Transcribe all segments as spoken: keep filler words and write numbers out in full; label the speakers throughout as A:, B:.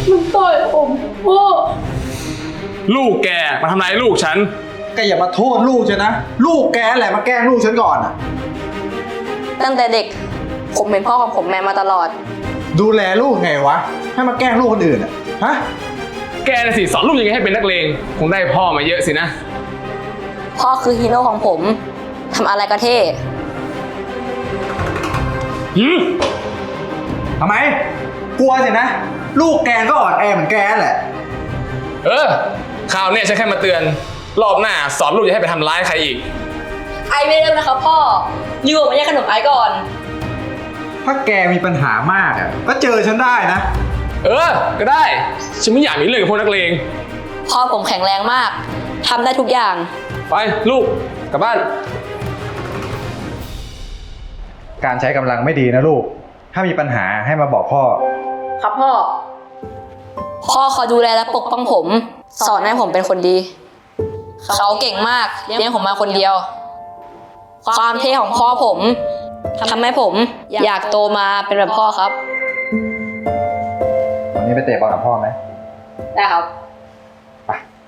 A: มันต่อยผมพ่อ
B: ลูกแกมาทำร้ายลูกฉัน
C: แกอย่ามาโทษลูกฉันนะลูกแกแหละมาแกล้งลูกฉันก่อนอ่ะ
A: ตั้งแต่เด็กผมเป็นพ่อของผมแม่มาตลอด
C: ดูแลลูกไงวะให้มาแกล้งลูกคนอื่นอ่ะฮะ
B: แกน่ะสิสอนลูกยังไงให้เป็นนักเลงคงได้พ่อมาเยอะสินะ
A: พ่อคือฮีโร่ของผมทำอะไรก็เท่
B: หืม
C: ทำไมกลัวสินะลูกแกก็อ่อนแอเหมือนแกแหละ
B: เออคราวนี้ฉันแค่มาเตือนรอบหน้าสอนลูกอย่าให้ไปทำร้ายใครอีก
A: ไอไม่เริ่มนะครับพ่ออยู่มาแย่งขนมไอก่อน
C: ถ้าแกมีปัญหามากอ่ะก็เจอฉันได้นะ
B: เออก็ได้ฉันไม่อยากมีเรื่องกับพวกนักเลง
A: พ่อผมแข็งแรงมากทำได้ทุกอย่าง
B: ไปลูกกลับบ้าน
C: การใช้กำลังไม่ดีนะลูกถ้ามีปัญหาให้มาบอกพ่อ
A: ครับพ่อพ่อคอยดูแลและปกป้องผมสอนให้ผมเป็นคนดีเขาเก่งมากเลี้ยงผมมาคนเดียวความเท่ของพ่อผมทำให้ผมอยากโตมาเป็นแบบพ่อครับ
C: วันนี้ไปเตะบอลกับพ่อไหม
A: ได้ครับ
C: ไป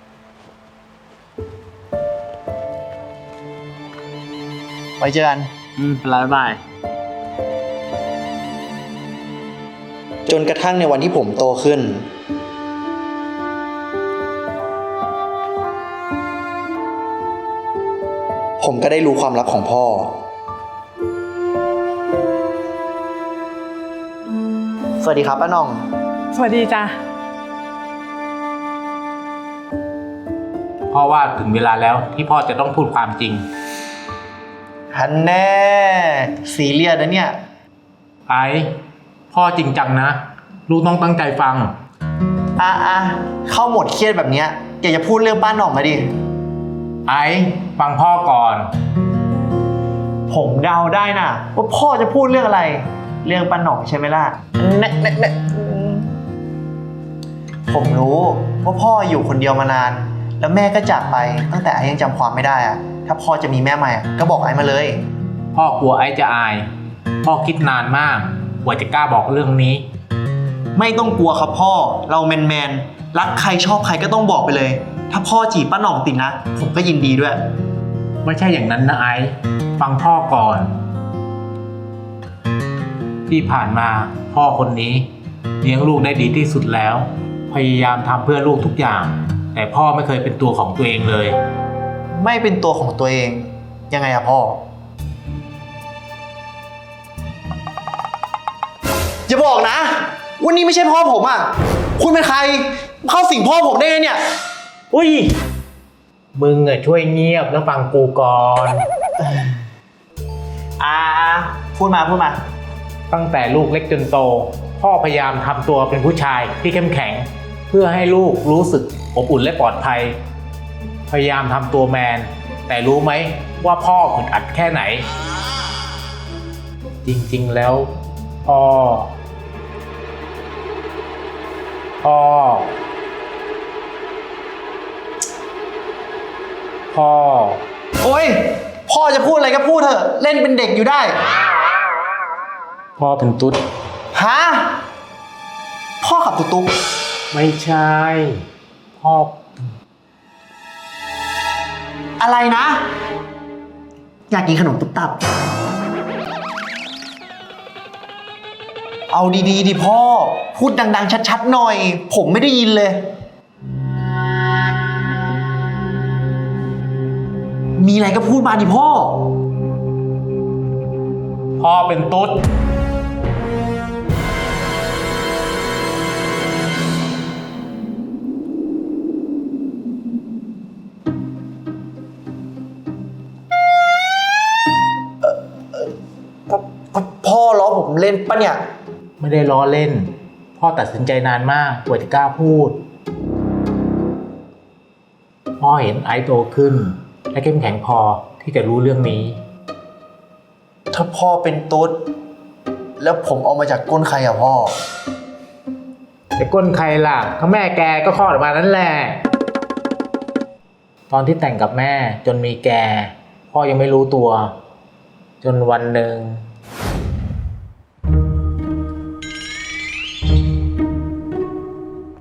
C: ไว้เจอกัน
B: อืมบ๊ายบาย
C: จนกระทั่งในวันที่ผมโตขึ้นผมก็ได้รู้ความลับของพ่อสวัสดีครับป้าน่อง
D: สวัสดีจ้ะ
E: พ่อว่าถึงเวลาแล้วที่พ่อจะต้องพูดความจริง
C: ฮันแน่ซีเรียสนะเนี่ย
E: ไอ้พ่อจริงจังนะลูกต้องตั้งใจฟัง
C: อ่ะอ่ะเข้าหมดเครียดแบบเนี้ยอยากจะพูดเรื่องป้าน่องมาดิ
E: ไอ้ฟังพ่อก่อน
C: ผมเดาได้นะว่าพ่อจะพูดเรื่องอะไรเรื่องป้าน่องใช่ไหมล่ะเน่เน่เน่ผมรู้ว่าพ่ออยู่คนเดียวมานานแล้วแม่ก็จากไปตั้งแต่ไอ้ยังจำความไม่ได้อะถ้าพ่อจะมีแม่ใหม่ก็บอกไอ้มาเลย
E: พ่อกลัวไอ้จะอายพ่อคิดนานมากกว่าจะกล้าบอกเรื่องนี้
C: ไม่ต้องกลัวครับพ่อเราแมนแมนรักใครชอบใครก็ต้องบอกไปเลยถ้าพ่อจีบป้าหน่องติดนะผมก็ยินดีด้วย
E: ไม่ใช่อย่างนั้นนะไอ้ฟังพ่อก่อนที่ผ่านมาพ่อคนนี้เลี้ยงลูกได้ดีที่สุดแล้วพยายามทำเพื่อลูกทุกอย่างแต่พ่อไม่เคยเป็นตัวของตัวเองเลย
C: ไม่เป็นตัวของตัวเองยังไงอะพ่ออย่าบอกนะวันนี้ไม่ใช่พ่อผมอะคุณเป็นใครเข้าสิงพ่อผมได้ไงเนี่ย
E: อุ้ยมึงอะช่วยเงียบแล้วฟังกูก่อน
C: อ่าพูดมาพูดมา
E: ตั้งแต่ลูกเล็กจนโตพ่อพยายามทำตัวเป็นผู้ชายที่เข้มแข็งเพื่อให้ลูกรู้สึกอบอุ่นและปลอดภัยพยายามทำตัวแมนแต่รู้ไหมว่าพ่ออึดอัดแค่ไหนจริงๆแล้วพ่อพ่อพ่อ
C: โอ๊ยพ่อจะพูดอะไรก็พูดเถอะเล่นเป็นเด็กอยู่ได้
E: พ่อเป็นตุ๊ด
C: ฮะพ่อขับตุ๊กตุ๊ก
E: ไม่ใช่พ่อ
C: อะไรนะอยากกินขนมตุ๊บตับเอาดีๆดิพ่อพูดดังๆชัดๆหน่อยผมไม่ได้ยินเลยมีอะไรก็พูดมาดิพ่อ
E: พ่อเป็นตุ๊ด
C: พ่อล้อผมเล่นปะเนี่ย
E: ไม่ได้ล้อเล่นพ่อตัดสินใจนานมากกว่าจะกล้าพูดพ่อเห็นไอซ์โตขึ้นและเข้มแข็งพอที่จะรู้เรื่องนี้
C: ถ้าพ่อเป็นตุ๊ดแล้วผมเอามาจากก้นใครอะพ่อ
E: แต่ก้นใครล่ะก็แม่แกก็คลอดออกมานั่นแหละตอนที่แต่งกับแม่จนมีแกพ่อยังไม่รู้ตัวจนวันหนึ่ง
C: พ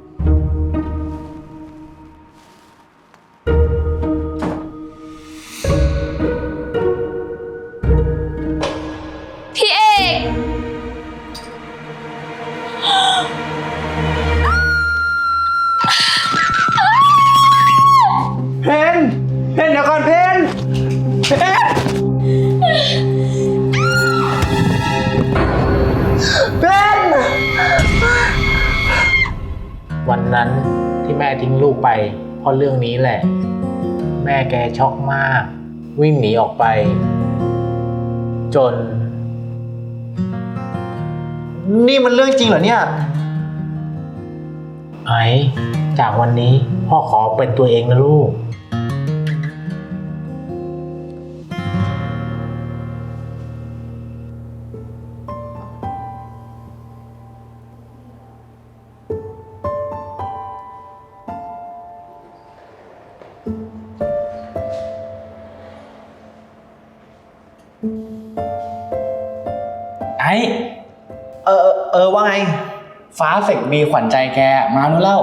E: วันนั้นที่แม่ทิ้งลูกไปเพราะเรื่องนี้แหละ แม่แกช็อกมาก วิ่งหนีออกไป จน
C: นี่มันเรื่องจริงเหรอเนี่ย
E: ไอ้จากวันนี้พ่อขอเป็นตัวเองนะลูก
D: ไอ้
C: เออเออเออว่าไง
D: ฟ้าเสกมีขวัญใจแกมาโน่นเล่า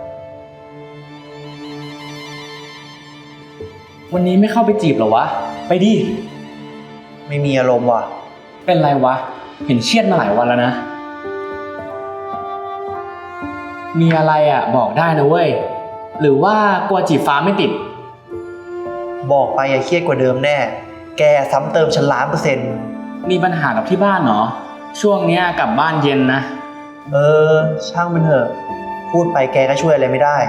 D: วันนี้ไม่เข้าไปจีบเหรอวะ ไปดิ
C: ไม่มีอารมณ์ว่ะ
D: เป็นไรวะ เห็นเครียดมาหลายวันแล้วนะ มีอะไรอ่ะบอกได้นะเว้ย หรือว่ากลัวจีบฟ้าไม่ติด
C: บอกไปอย่าเครียดกว่าเดิมแน่ แกซ้ำเติมฉันล้านเปอร์เซ็นต์
D: มีปัญหากับที่บ้านเหรอ ช่วงเนี้ยกลับบ้านเย็นนะ
C: เออ ช่างมันเถอะ พูดไปแกก็ช่วยอะไรไม่ได้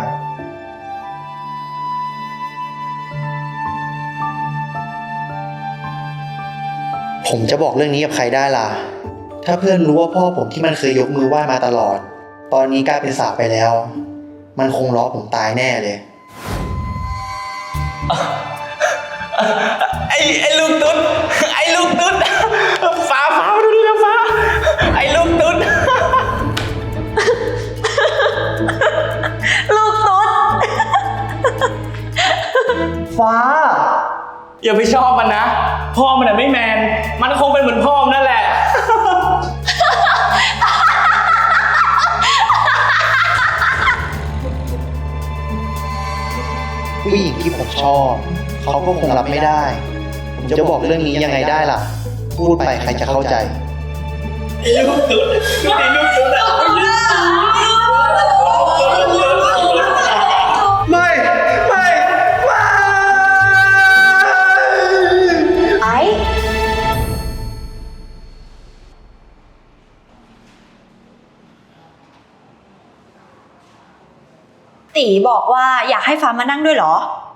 C: ผมจะบอกเรื่องนี้กับใครได้ล่ะ ถ้าเพื่อนรู้ว่าพ่อผมที่มันเคยยกมือไหว้มาตลอด ตอนนี้กลายเป็นสาปไปแล้ว มันคงล้อผมตายแน่เลย
D: ไอ้ไอ้ลูกตุ๊ด ไอ้ลูกตุ๊ด ฟ้าฟ้ามาดูดินะฟ้า ไอ้ลูกตุ๊ด
A: ลูกตุ๊ด
C: ฟ้า
D: อย่าไปชอบมันนะ พ่อมันน่ะไม่แมน มันคงเป็นเหมือนพ่อมันนั่นแหละ
C: ผู้หญิงที่ผมชอบ เขาก็คงรับไม่ได้ ผมจะบอกเรื่องนี้ยังไงได้ล่ะ พูดไปใครจะเข้าใจ
D: ลูกตุ๊ดลูกนี่ลูกตุ๊ดอะ
C: ไม่ ไม่ ไม่
A: ไอ้
F: ตีบอกว่าอยากให้ฟ้ามานั่งด้วยเหรอ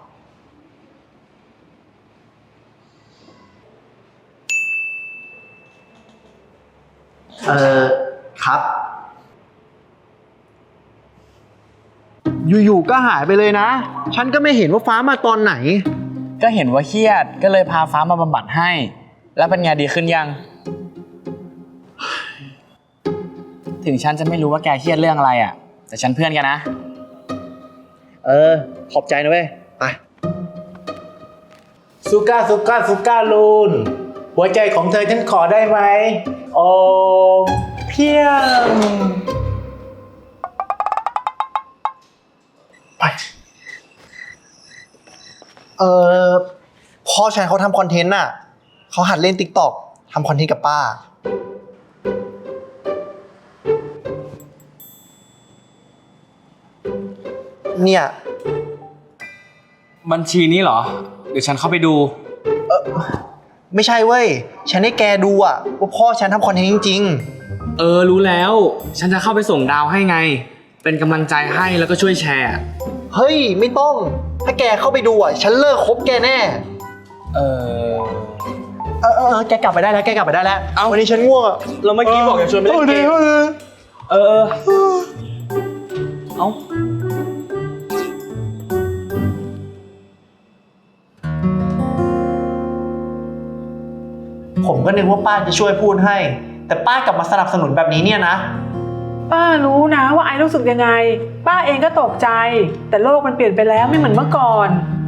C: เออครับ อยู่ๆก็หายไปเลยนะ ฉันก็ไม่เห็นว่าฟ้ามาตอนไหน
D: ก็เห็นว่าเครียด ก็เลยพาฟ้ามาบำบัดให้ แล้วเป็นไงดีขึ้นยัง ถึงฉันจะไม่รู้ว่าแกเครียดเรื่องอะไรอ่ะ แต่ฉันเพื่อนกันนะ
C: เออ ขอบใจนะเว้ย ไป
E: สุก้าสุก้าสุก้าลูน หัวใจของเธอฉันขอได้ไหม โอ้เพียง
C: ไป เออพ่อฉันเขาทำคอนเทนต์น่ะ เขาหัดเล่นติ๊กต็อกทำคอนเทนต์กับป้า เนี่ย
D: บัญชีนี้เหรอ เดี๋ยวฉันเข้าไปดู
C: ไม่ใช่เว้ย ฉันให้แกดูอะว่าพ่อฉันทำคอนเทนต์จริง
D: เออ รู้แล้ว ฉันจะเข้าไปส่งดาวให้ไง เป็นกำลังใจให้แล้วก็ช่วยแชร์
C: ๆ เฮ้ย ไม่ต้อง ถ้าแกเข้าไปดูอะฉันเลิกคบแกแน่
D: เออ
C: เออเออเออแกกลับไปได้แล้ว แกกลับไปได้แล้ว
D: เอ้า
C: วันนี้ฉันง่วงอะ
D: เราเมื่อกี้บอกจะชวนไปเล่นเกม
C: ออออ
D: เออเออ เอ้า
C: ผมก็นึกว่าป้าจะช่วยพูดให้ แต่ป้ากลับมาสนับสนุนแบบนี้เนี่ยนะ
G: ป้ารู้นะว่าไอ้รู้สึกยังไง ป้าเองก็ตกใจ แต่โลกมันเปลี่ยนไปแล้วไม่เหมือนเมื่อก่อน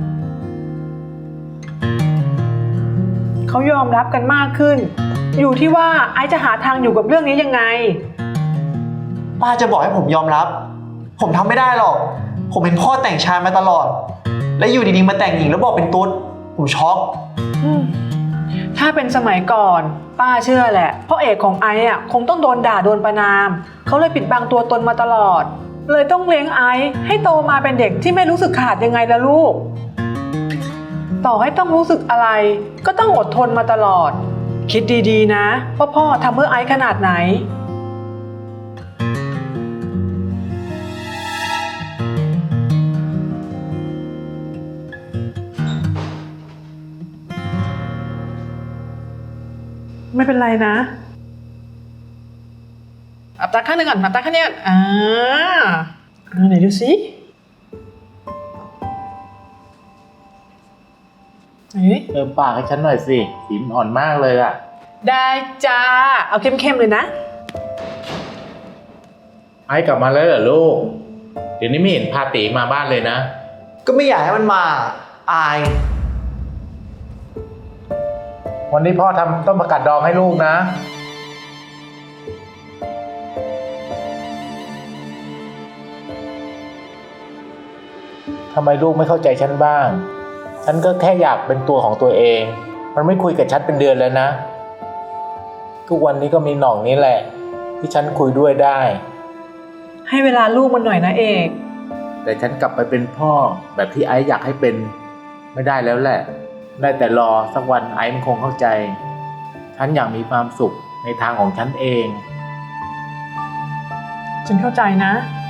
G: เขายอมรับกันมากขึ้น อยู่ที่ว่าไอ้จะหาทางอยู่กับเรื่องนี้ยังไง
C: ป้าจะบอกให้ผมยอมรับ ผมทำไม่ได้หรอก ผมเป็นพ่อแต่งชายมาตลอด และอยู่ดีๆมาแต่งหญิงแล้วบอกเป็นตุ๊ด ผมช็อก
G: อืมถ้าเป็นสมัยก่อน ป้าเชื่อแหละพ่อเอกของไอ้อะคงต้องโดนด่าโดนประณาม เขาเลยปิดบังตัวตนมาตลอด เลยต้องเลี้ยงไอ้ให้โตมาเป็นเด็กที่ไม่รู้สึกขาดยังไงล่ะลูก ต่อให้ต้องรู้สึกอะไร ก็ต้องอดทนมาตลอด คิดดีๆนะว่าพ่อทำเพื่อไอ้ขนาดไหนไม่เป็นไรนะอับตาข้างหนึ่งก่อนอับตาข้างนี้ก่อนอ่าอ่าไหนดูสิเอ๊ะ
E: เติมปากให้ฉันหน่อยสิสีมันอ่อนมากเลยอะ
G: ได้จ้า เอาเข้มๆเลยนะ
E: ไอ้กลับมาแล้วเหรอลูก เดี๋ยวนี้ไม่เห็นพาตีมาบ้านเลยนะ
C: ก็ไม่อยากให้มันมา อาย
E: วันนี้พ่อทำต้มผักกาดดองให้ลูกนะทำไมลูกไม่เข้าใจฉันบ้าง ฉันก็แค่อยากเป็นตัวของตัวเอง มันไม่คุยกับฉันเป็นเดือนแล้วนะ ทุกวันนี้ก็มีหน่องนี้แหละ ที่ฉันคุยด้วยได้
G: ให้เวลาลูกมันหน่อยนะเอก
E: แต่ฉันกลับไปเป็นพ่อแบบที่ไอซ์อยากให้เป็นไม่ได้แล้วแหละ ได้แต่รอสักวันไอซ์มันคงเข้าใจ ฉันอยากมีความสุขในทางของฉันเอง
G: ฉันเข้าใจนะ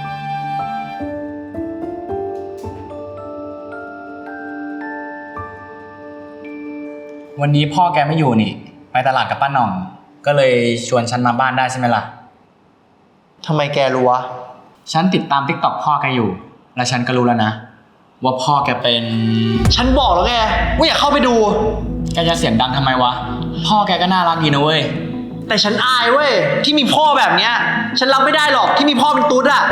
D: วันนี้พ่อแกไม่อยู่นี่ ไปตลาดกับป้าหน่อง ก็เลยชวนฉันมาบ้านได้ใช่ไหมล่ะ
C: ทำไมแกรู้วะ
D: ฉันติดตามทิกตอกพ่อแกอยู่ และฉันก็รู้แล้วนะ ว่าพ่อแกเป็น
C: ฉันบอกแล้วไงว่าอย่าเข้าไปดู
D: แกจะเสียงดังทำไมวะ พ่อแกก็น่ารักดีนะเว้ย
C: แต่ฉันอายเว้ยที่มีพ่อแบบเนี้ย ฉันรับไม่ได้หรอกที่มีพ่อเป็นตุ๊ดอะ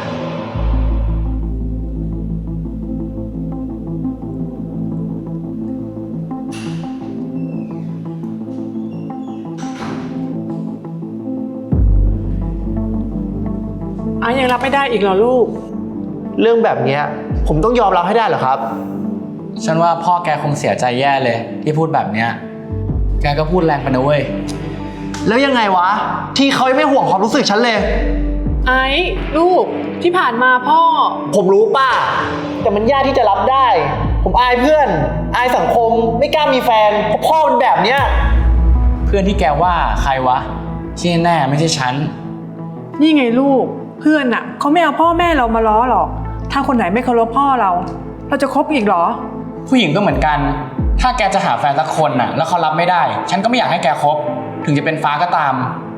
G: ไอ้ยังรับไม่ได้อีกเหรอลูก
C: เรื่องแบบเนี้ยผมต้องยอมรับให้ได้เหรอครับ
D: ฉันว่าพ่อแกคงเสียใจแย่เลยที่พูดแบบเนี้ย แกก็พูดแรงไปนะเว้ย
C: แล้วยังไงวะ ที่เขาไม่ห่วงความรู้สึกฉันเลย
G: ไอ้ลูกที่ผ่านมาพ่อ
C: ผมรู้ป้า แต่มันยากที่จะรับได้ ผมอายเพื่อน อายสังคมไม่กล้ามีแฟนเพราะพ่อเป็นแบบเนี้ย
D: เพื่อนที่แกว่าใครวะที่แน่ไม่ใช่ฉัน
G: นี่ไงลูก เพื่อนน่ะเขาไม่เอาพ่อแม่เรามาล้อหรอก ถ้าคนไหนไม่เคารพพ่อเรา เราจะคบอีกเหรอ
D: ผู้หญิงก็เหมือนกัน ถ้าแกจะหาแฟนสักคนน่ะ แล้วเขารับไม่ได้ ฉันก็ไม่อยากให้แกคบ ถึงจะเป็นฟ้าก็ตาม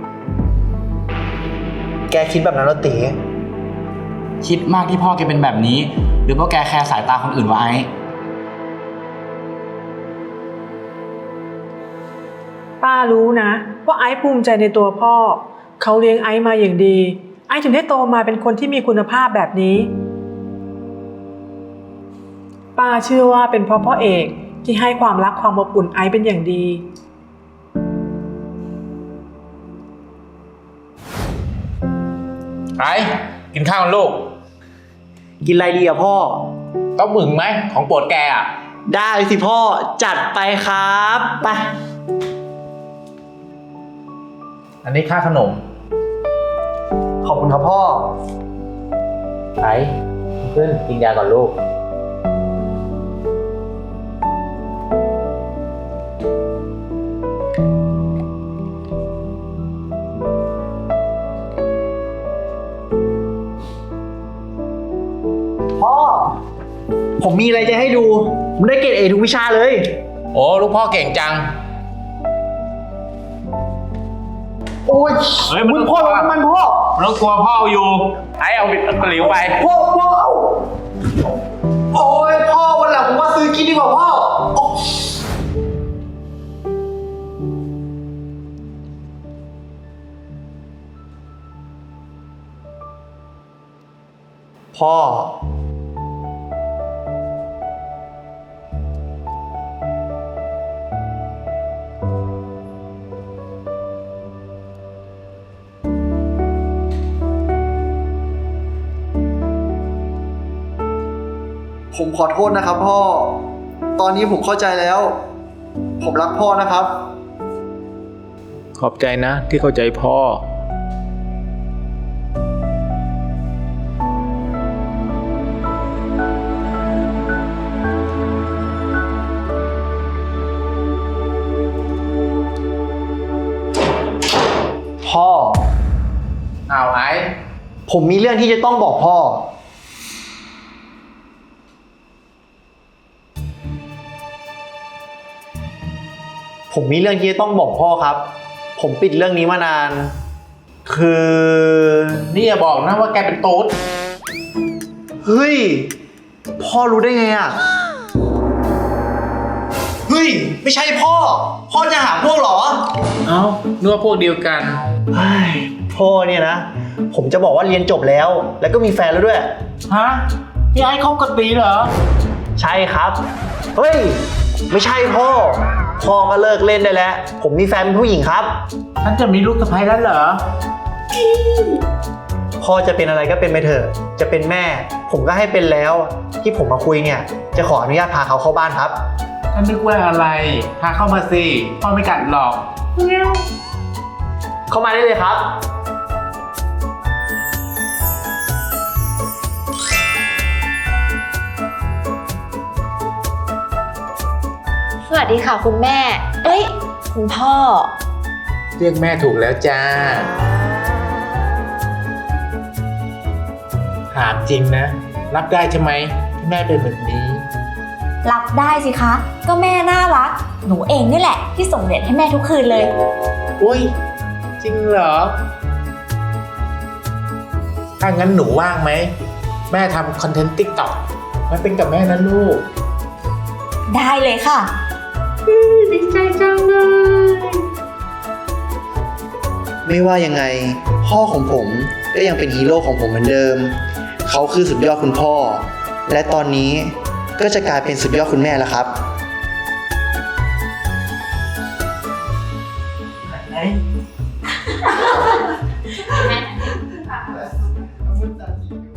C: แกคิดแบบนั้นเหรอตี
D: คิดมากที่พ่อแกเป็นแบบนี้ หรือเพราะแกแคร์สายตาคนอื่นวะไอ้
G: ป้ารู้นะว่าไอ้ภูมิใจในตัวพ่อ เขาเลี้ยงไอ้มาอย่างดี ไอ้ถึงได้โตมาเป็นคนที่มีคุณภาพแบบนี้ ป้าเชื่อว่าเป็นเพราะพ่อเอกที่ให้ความรักความอบอุ่นไอ้เป็นอย่างดี
E: ไอ้กินข้าวกันลูก
C: กินอะไรดีอะพ่อ
E: ต้มหมึงไหมของโปรดแกอ่ะ
C: ได้สิพ่อจัดไปครับไป
E: อันนี้ค่าขนม
C: ขอบคุณครับพ่อ
E: ไอ้เพื่อนกินยาก่อนลูก
C: พ่อ ผมมีอะไรจะให้ดู ผมได้เกรดเอทุกวิชาเลย
E: โอ้ลูกพ่อเก่งจัง
C: โอ้ย
E: เฮ้ยมัน
C: มึงพ่อมันมันพ่อ
E: ไม่ต้องกลัวพ่ออยู่ ไอ้เอาบิดตะหลิวไป
C: พ่อพ่อเอาโอ้ยพ่อวันหลังผมว่าซื้อกินดีกว่าพ่อโอ้พ่อ ผมขอโทษนะครับพ่อ ตอนนี้ผมเข้าใจแล้ว ผมรักพ่อนะครับ
E: ขอบใจนะที่เข้าใจพ่อ
C: พ่อ
E: เอาไอ้
C: ผมมีเรื่องที่จะต้องบอกพ่อ ผมมีเรื่องที่จะต้องบอกพ่อครับผมปิดเรื่องนี้มานาน คือ
E: นี่อย่าบอกนะว่าแกเป็นตุ๊ด
C: เฮ้ย พ่อรู้ได้ไงอ่ะ เฮ้ย ไม่ใช่พ่อ พ่อจะหาพวกเหรอ
E: เอ้านึกว่าพวกเดียวกัน
C: เฮ้ย พ่อเนี่ยนะ ผมจะบอกว่าเรียนจบแล้ว แล้วก็มีแฟนแล้วด้วย
E: ฮะพี่ไอ้คบกับตีเหรอ
C: ใช่ครับ เฮ้ย ไม่ใช่พ่อ พ่อก็เลิกเล่นได้แล้ว ผมมีแฟนเป็นผู้หญิงครับ
E: ฉันจะมีลูกสะใภ้แล้วเหรอ
C: พ่อจะเป็นอะไรก็เป็นไปเถอะ จะเป็นแม่ ผมก็ให้เป็นแล้ว ที่ผมมาคุยเนี่ย จะขออนุญาตพาเขาเข้าบ้านครับ
E: ฉันนึกว่าอะไร พาเข้ามาสิ พ่อไม่กัดหรอก
C: เข้ามาได้เลยครับ
F: สวัสดีค่ะคุณแม่ เอ้ย คุณพ่อ
E: เรียกแม่ถูกแล้วจ้า ถามจริงนะ รับได้ใช่ไหมที่แม่เป็นแบบนี้
F: รับได้สิคะ ก็แม่น่ารัก หนูเองนี่แหละ ที่ส่งเหรียญให้แม่ทุกคืนเลย
E: อุ้ย จริงเหรอ ถ้างั้นหนูว่างไหม แม่ทำคอนเทนต์ติ๊กต็อกมาเป็นกับแม่นะลูก
F: ได้เลยค่ะ
E: ดีใจจังเลย
C: ไม่ว่ายังไง พ่อของผมก็ยังเป็นฮีโร่ของผมเหมือนเดิม เขาคือสุดยอดคุณพ่อ และตอนนี้ก็จะกลายเป็นสุดยอดคุณแม่แล้วครับ
A: แ